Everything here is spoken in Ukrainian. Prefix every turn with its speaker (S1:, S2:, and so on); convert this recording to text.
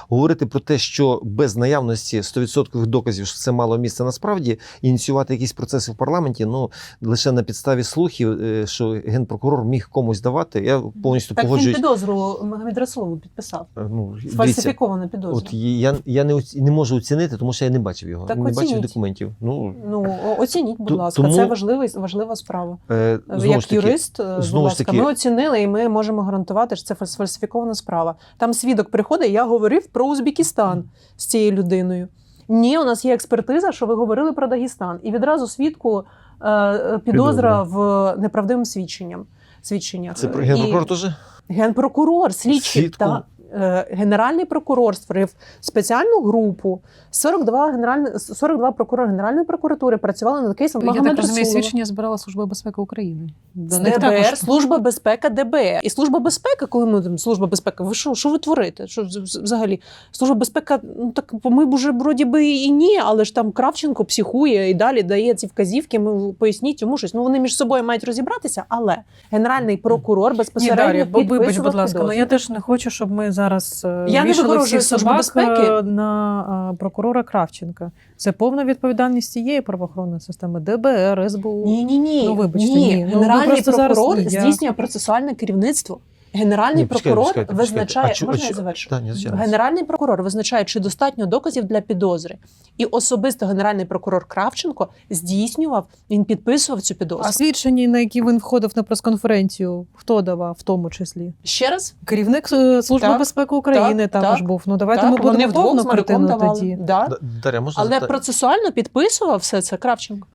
S1: говорити про те, що без наявності 100% доказів, що це мало місце насправді, ініціювати якісь процеси в парламенті, ну, лише на підставі слухів, що генпрокурор міг комусь давати, я повністю
S2: Так
S1: погоджуюсь.
S2: він підозру Магомед Расулову підписав.
S1: Ну, дивіться,
S2: Сфальсифікована підозра.
S1: от я не можу оцінити, тому що я не бачив його,
S2: Так
S1: не бачив
S2: оцініть.
S1: документів. Ну,
S2: Оцініть, будь ласка,
S1: тому-
S2: це важлива справа.
S1: знову
S2: Як
S1: ж таки,
S2: юрист, будь
S1: знову ж
S2: ласка,
S1: таки-
S2: ми оцінили і ми можемо гарантувати, що це сфальсифікована справа. Там свідок приходить, я говорив про Узбекистан з цією людиною. Ні, у нас є експертиза, що ви говорили про Дагестан. І відразу свідку підозра в неправдивим свідченнях.
S1: це
S2: І
S1: генпрокурор теж?
S2: Генпрокурор, слідчий,
S1: Свідку?
S2: та Генеральний прокурор створив спеціальну групу. 42 прокурори Генеральної прокуратури працювали над кейсом
S3: Я
S2: Магомеда
S3: так розумію,
S2: Расулова.
S3: свідчення збирала Служба безпеки України. До
S2: З
S3: них
S2: ДБР,
S3: також
S2: Служба безпеки ДБР. І Служба безпеки, коли ми там, Служба безпеки, ви що ви творите? Що взагалі? Служба безпеки, ну так ми б уже вроді би і ні, але ж там Кравченко психує і далі дає ці вказівки, ми поясніть йому щось. Ну вони між собою мають розібратися, але Генеральний прокурор
S3: Ні,
S2: безпосередньо
S3: Дар'я, вибач,
S2: підписував
S3: будь ласка,
S2: підозру.
S3: але я теж не хочу, щоб ми зараз
S2: Я не
S3: вішали
S2: вигорожую
S3: всіх
S2: Службу
S3: собак
S2: безпеки.
S3: на прокурора Кравченка. Це повна відповідальність цієї правоохоронної системи ДБР, СБУ.
S2: Ні.
S3: Ну, вибачте, ні. Ну,
S2: Генеральний
S3: просто зараз
S2: прокурор
S3: я-
S2: здійснює процесуальне керівництво. Генеральний
S1: Ні, почекайте,
S2: прокурор
S1: почекайте.
S2: визначає,
S1: А
S2: можна я завершу?
S1: Так, ні, звичайно.
S2: Генеральний прокурор визначає, чи достатньо доказів для підозри. І особисто Генеральний прокурор Кравченко здійснював, він підписував цю підозру.
S3: А свідчення, на які він входив на прес-конференцію, хто давав в тому числі?
S2: Ще раз?
S3: Керівник Служби
S2: Так,
S3: безпеки України
S2: так,
S3: також
S2: так.
S3: був. Ну давайте
S2: Так,
S3: ми
S2: вони
S3: будемо
S2: вдвох
S3: повну
S2: з Мариком
S3: картину
S2: давали.
S3: тоді.
S2: Да.
S1: Дар'я, можна
S2: Але
S1: запитати?
S2: процесуально підписував все це Кравченко.